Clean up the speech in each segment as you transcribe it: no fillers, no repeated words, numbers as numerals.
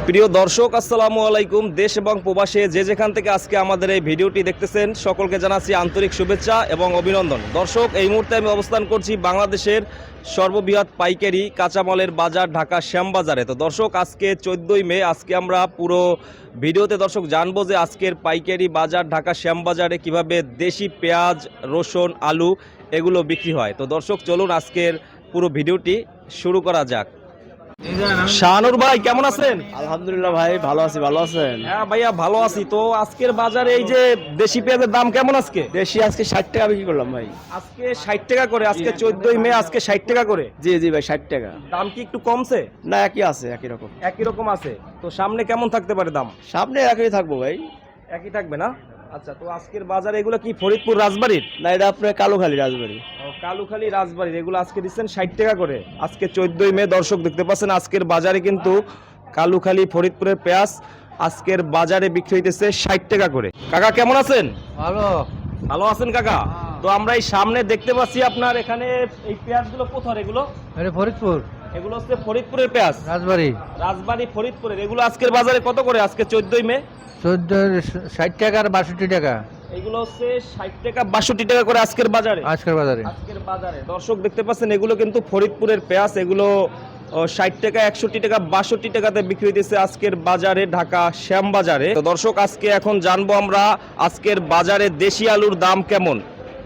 প্রিয় দর্শক, আসসালামু আলাইকুম। দেশ এবং প্রবাসে যে যেখান থেকে আজকে আমাদের এই ভিডিওটি দেখতেছেন সকলকে জানাচ্ছি আন্তরিক শুভেচ্ছা এবং অভিনন্দন। দর্শক, এই মুহূর্তে আমি অবস্থান করছি বাংলাদেশের সর্ববৃহৎ পাইকারি কাঁচামালের বাজার ঢাকা শ্যামবাজারে। তো দর্শক, আজকে 14ই মে, আজকে আমরা পুরো ভিডিওতে দর্শক জানবো যে আজকের পাইকারি বাজার ঢাকা শ্যামবাজারে কিভাবে দেশি পেঁয়াজ, রসুন, আলু এগুলো বিক্রি হয়। তো দর্শক, চলুন আজকের পুরো ভিডিওটি শুরু করা যাক। শাহানুর ভাই, কেমন আছেন? আলহামদুলিল্লাহ ভাই, ভালো আছি। ভালো আছেন? হ্যাঁ ভাইয়া, ভালো আছি। তো আজকের বাজারে এই যে দেশি পেঁয়াজের দাম কেমন আজকে? দেশি আজকে 60 টাকা বিক্রি করলাম ভাই। আজকে 60 টাকা করে। আজকে 14ই মে, আজকে 60 টাকা করে। জি জি ভাই, 60 টাকা। দাম কি একটু কমছে? না, একই আছে, একই রকম। একই রকম আছে। তো সামনে কেমন থাকতে পারে দাম? সামনে একই থাকবো ভাই। একই থাকবে না? আচ্ছা, তো আজকের বাজারে এগুলো কি ফরিদপুর রাজবাড়ির? না, এটা আপনার কালুখালী রাজবাড়ি। কালুখালী রাজবাড়ির এগুলো আজকে দিচ্ছেন 60 টাকা করে। আজকে 14ই মে। দর্শক দেখতে পাচ্ছেন আজকের বাজারে কিন্তু কালুখালী ফরিদপুরের পেঁয়াজ আজকের বাজারে বিক্রি হইতেছে 60 টাকা করে। কাকা কেমন আছেন? ভালো। ভালো আছেন কাকা? তো আমরা এই সামনে দেখতে পাচ্ছি আপনার এখানে এই পেঁয়াজগুলো কোথার? এগুলো ফরিদপুর, এগুলো হচ্ছে ফরিদপুরের পেঁয়াজ। রাজবাড়ি। রাজবাড়ি ফরিদপুরের। এগুলো আজকের বাজারে কত করে? আজকে 14ই মে 60 টাকা আর 62 টাকা। এগুলো হচ্ছে 60 টাকা 62 টাকা করে আজকের বাজারে। আজকের বাজারে দর্শক দেখতে পাচ্ছেন এগুলো কিন্তু ফরিদপুরের পেঁয়াজ। এগুলো 60 টাকা, 61 টাকা, 62 টাকাতে বিক্রি হইতেছে আজকের বাজারে ঢাকা শ্যামবাজারে। তো দর্শক, আজকে এখন জানবো আমরা আজকের বাজারে দেশি আলুর দাম কেমন।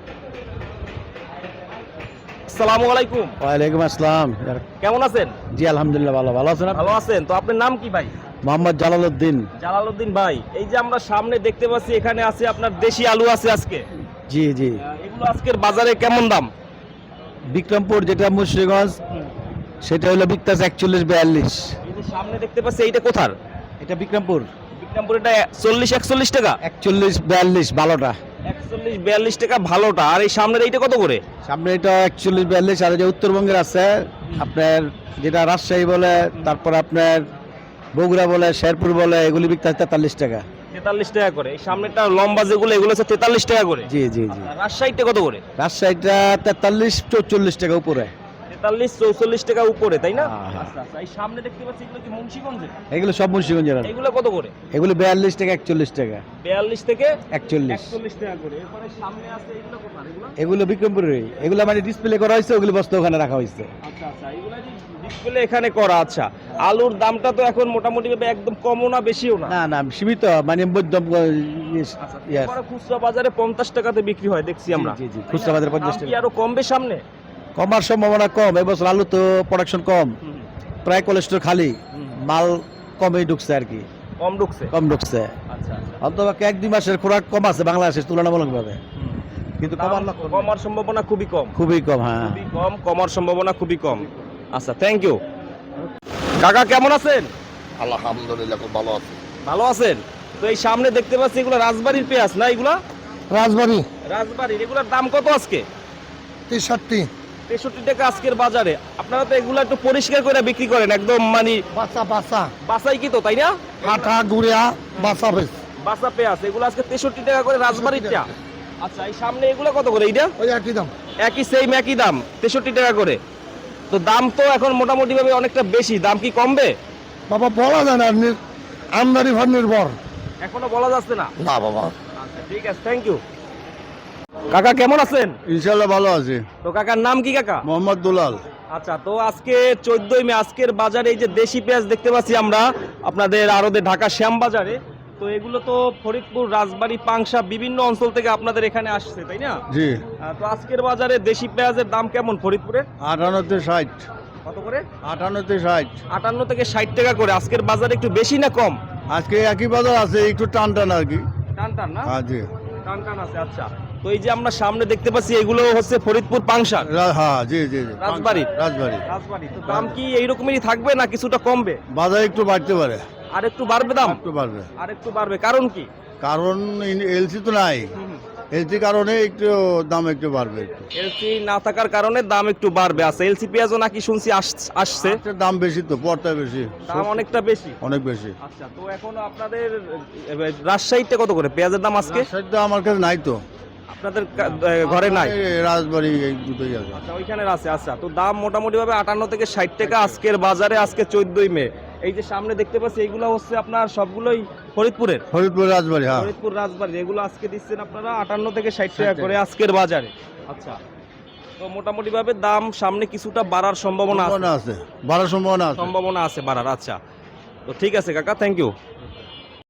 আসসালামু আলাইকুম। ওয়ালাইকুম আসসালাম। কেমন আছেন? জি আলহামদুলিল্লাহ, ভালো। ভালো আছেন? ভালো আছেন। তো আপনার নাম কি ভাই? মোহাম্মদ জালালউদ্দিন। জালালউদ্দিন ভাই, এই যে আমরা সামনে দেখতে পাচ্ছি এখানে আছে আপনার দেশি আলু আছে আজকে। জি জি। এগুলো আজকের বাজারে কেমন দাম? বিক্রমপুর যেটা মুন্সিগঞ্জ, সেটা হলো বিকতাস 41-42। এই যে সামনে দেখতে পাচ্ছি এইটা কোথার? এটা বিক্রমপুর। বিক্রমপুর। এটা 40-41 টাকা। 41-42 ভালোটা। 41-42 টাকা ভালোটা। আর এই সামনের এইটা কত করে? সামনে এটা 41-42। আর যে উত্তরবঙ্গের আছে আপনার, যেটা রাজশাহী বলে, তারপর আপনার বগুড়া বলে, শেরপুর বলে, এগুলি বিকতে 43 টাকা। 43 টাকা করে। এই সামনেটা লম্বা যেগুলো এগুলো হচ্ছে 43 টাকা করে। জি জি জি। আর রাজশাহীটা কত করে? রাজশাহীটা 43-44 টাকা উপরে। 43-44 টাকা উপরে, তাই না? হ্যাঁ, হ্যাঁ। আচ্ছা আচ্ছা। এই সামনে দেখতে পাচ্ছি এগুলো কি মুন্সিগঞ্জের? এগুলো সব মুন্সিগঞ্জের। এগুলো কত করে? এগুলো 42 টাকা 41 টাকা। 42 থেকে 41 টাকা করে। এরপরে সামনে আছে এগুলো কোথার? এগুলো এগুলো বিক্রমপুরের। এগুলো মানে ডিসপ্লে করা হয়েছে, ওগুলো বস্তা ওখানে রাখা হয়েছে। আচ্ছা আচ্ছা। এগুলো ডিসপ্লে এখানে করা। আচ্ছা, আলুর দামটা তো এখন মোটামুটি ভাবে একদম কমও না বেশিও না। না না, সীমিত, মানে মধ্যম। এরপরে খুচরা বাজারে 50 টাকাতে বিক্রি হয় দেখছি আমরা। জি জি, খুচরা বাজারে 50 দাম কি টাকা। আরো কমবে সামনে? কমার সম্ভাবনা কম। এবছর আলু তো প্রোডাকশন কম, প্রায় কোলেস্টোর খালি, মাল কমই ঢুকছে আর কি। কম ঢুকছে। কম ঢুকছে। আচ্ছা আচ্ছা। অন্তত 1-2 মাসের খোরাক কম আছে বাংলাদেশের তুলনামূলকভাবে, কিন্তু কমার সম্ভাবনা খুবই কম। খুবই কম। হ্যাঁ, খুবই কম, কমার সম্ভাবনা খুবই কম। আচ্ছা, থ্যাংক ইউ। কাকা কেমন আছেন? আলহামদুলিল্লাহ, খুব ভালো আছে। ভালো আছেন। তো এই সামনে দেখতে পাচ্ছি এগুলো রাজবাড়ির পেঁয়াজ না? এগুলা রাজবাড়ি রাজবাড়ির। এগুলোর দাম কত আজকে? 63 টাকা আজকের বাজারে। আপনারা তো এগুলো একটু পরিষ্কার করে বিক্রি করেন, একদম মানে বাসা বাসা বাসাই কি তো, তাই না? আটা গুড়িয়া বাসা বেশ বাসা পেঁয়াজ এগুলো আজকে 63 টাকা করে রাজবাড়িরটা। আচ্ছা, এই সামনে এগুলো কত করে? এইটা ওই একই দাম। একই, সেম একই দাম, 63 টাকা করে। তো দাম তো এখন মোটামুটি ভাবে অনেকটা বেশি। দাম কি কমবে? বাবা বলা যায় না, আমদানি ভার নির্ভর। এখনো বলা যাচ্ছে না। না বাবা। আচ্ছা, ঠিক আছে, থ্যাংক ইউ। কাকা কেমন আছেন? ইনশাল্লাহ ভালো আছে। তো কাকার নাম কি কাকা? মোহাম্মদ দুলাল। আচ্ছা, তো আজকে 14ই মে, আজকের বাজারে এই যে দেশি পেঁয়াজ দেখতে পাচ্ছি আমরা আপনাদের আড়তে ঢাকা শ্যামবাজারে। তো এগুলো তো ফরিদপুর, রাজবাড়ী, পাংশা বিভিন্ন অঞ্চল থেকে আপনাদের এখানে আসছে, তাই না? জি। তো আজকের বাজারে দেশি পেঁয়াজের দাম কেমন ফরিদপুরে? 58-60। কত করে? 58-60। 58 থেকে 60 টাকা করে। আজকের বাজারে একটু বেশি না কম? আজকে একই বাজার আছে, একটু টান টান আর কি। টান টান না? হ্যাঁ জি। টান টান আছে। আচ্ছা, তো এই যে আমরা সামনে দেখতে পাচ্ছি এগুলো হচ্ছে ফরিদপুর পাংশা হ্যাঁ জি জি জি। রাজবাড়ি। রাজবাড়ি। তো দাম কি এইরকমই থাকবে না কিছুটা কমবে? বাজার একটু বাড়তে পারে। আর একটু বাড়বে দাম? একটু বাড়বে। আর একটু বাড়বে, কারণ কি? কারণ এলসি তো নাই, এলসি কারণে একটু দাম একটু বাড়বে। এলসি না থাকার কারণে দাম একটু বাড়বে। আছে এলসি পেঁয়াজও নাকি শুনছি আসছে। দাম বেশি তো, পড়তে বেশি, দাম অনেকটা বেশি। অনেক বেশি। আচ্ছা, তো এখন আপনাদের রাজশাহীতে কত করে পেঁয়াজের দাম আজকে? সেটা আমার কাছে নাই তো। আপনাদের ঘরে নাই? রাজবাড়ি এই দুটোই আছে। আচ্ছা, ওইখানে আছে। আচ্ছা, তো দাম মোটামুটি ভাবে 58 থেকে 60 টাকা আজকের বাজারে, আজকে 14ই মে। এই যে সামনে দেখতে পাচ্ছি এগুলো হচ্ছে আপনার সবগুলোই ফরিদপুরের। ফরিদপুর রাজবাড়ি, হ্যাঁ। ফরিদপুর রাজবাড়ি এগুলো আজকে দিচ্ছেন আপনারা 58 থেকে 60 টাকা করে আজকের বাজারে। আচ্ছা, তো মোটামুটি ভাবে দাম সামনে কিছুটা বাড়ার সম্ভাবনা আছে। সম্ভাবনা আছে, বাড়ার সম্ভাবনা আছে। সম্ভাবনা আছে বাড়ার। আচ্ছা, তো ঠিক আছে কাকা, থ্যাংক ইউ।